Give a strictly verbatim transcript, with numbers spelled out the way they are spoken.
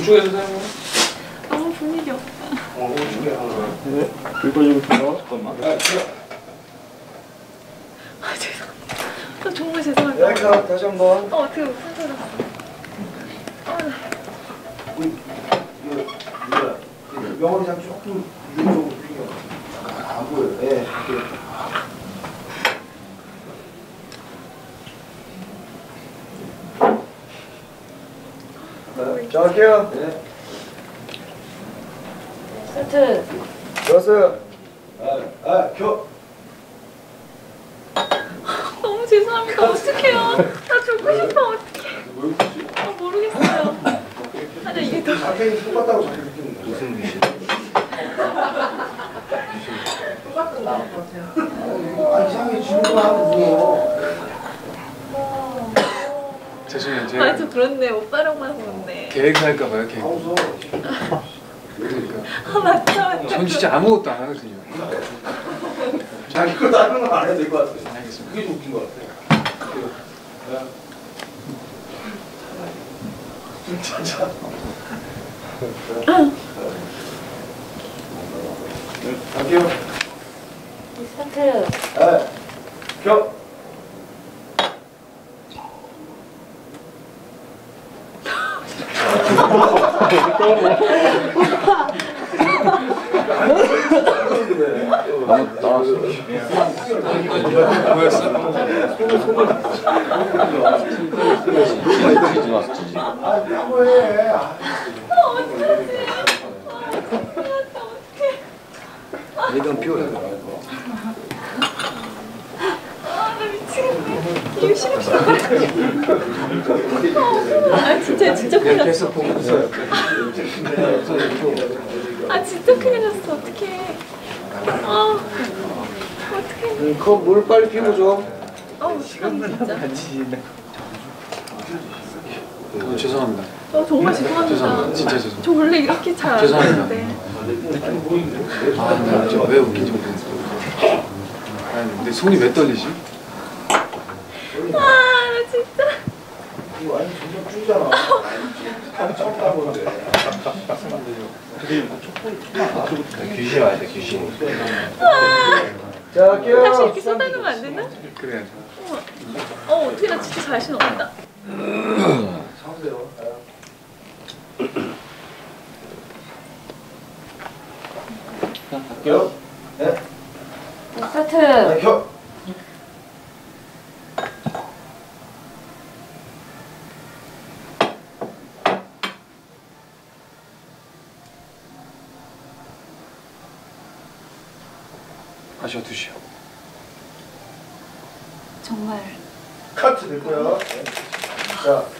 우측에서 사용해. 너무 분위기 없다. 어, 우측에 하나. 네, 읽어주겠습니다. 잠깐만. 아, 죄송합니다. 저 정말 죄송합니다. 여기서 다시 한 번. 어, 어떻게 웃음 터졌어. 명월이랑 조금 이쪽으로 당겨. 안 보여요. 예. 네, 자, 할게요. 네. 세트. 좋았어요. 아, 아, 겨. 너무 죄송합니다. 어떡해요. 나 죽고 싶어. 어떡해. 아, 모르겠어요. 아니, 이게 더. 자켓이 똑같다고 자켓 느끼는 거예요. 무슨 귀신? 똑같은 거 같아요. 아, 이상하게 질문만 하고 죄송해요. 아, 제가 저 그렇네. 오빠랑만 그렇네. 계획할까봐요, 계획. 무서워. 그러니까. 아, 맞다, 맞다. 전 진짜 아무것도 안 하거든요. 자, 이거 다른 건 안 해도 될 것 같아요. 알겠습니다. 그게 좀 웃긴 것 같아요. 진짜. 갈게요. 스타트. 네. 겨. 나왔어. 뭐였어? 지지 나왔어, 지지. 아, 뭐해. 이건 피워야 돼. 아, 나 미치겠네. 이거 싫어, 싫어. 아, 진짜, 진짜 큰일 났어. 계속 보고 있어요. 아, 진짜 큰일 났어. 어떡해. 아, 어떡해. 그 물 빨리 피고 줘. 아, 어떡해, 진짜. 어, 죄송합니다. 어, 정말 죄송합니다. 죄송합니다. 진짜 죄송합니다. 저 원래 이렇게 잘 안 죄송합니다. 하는데. 아, 나 진짜 왜 웃긴지 모르겠어요. 아니, 근데 손이 왜 떨리지? 아, 나 진짜. 이거 완전 점점 줄잖아. 처음 따보는데. 귀신 와야 돼, 귀신. 자, 할게요. 다시 이렇게 써달라면 안 되나? 그래야죠. 어, 어, 어떻게 나 진짜 자신 없다. 사세요. 갈게요. 네. 스타트. 네, 겨. 아쉬워 두시오. 정말. 카트 됐고요. 네. 자.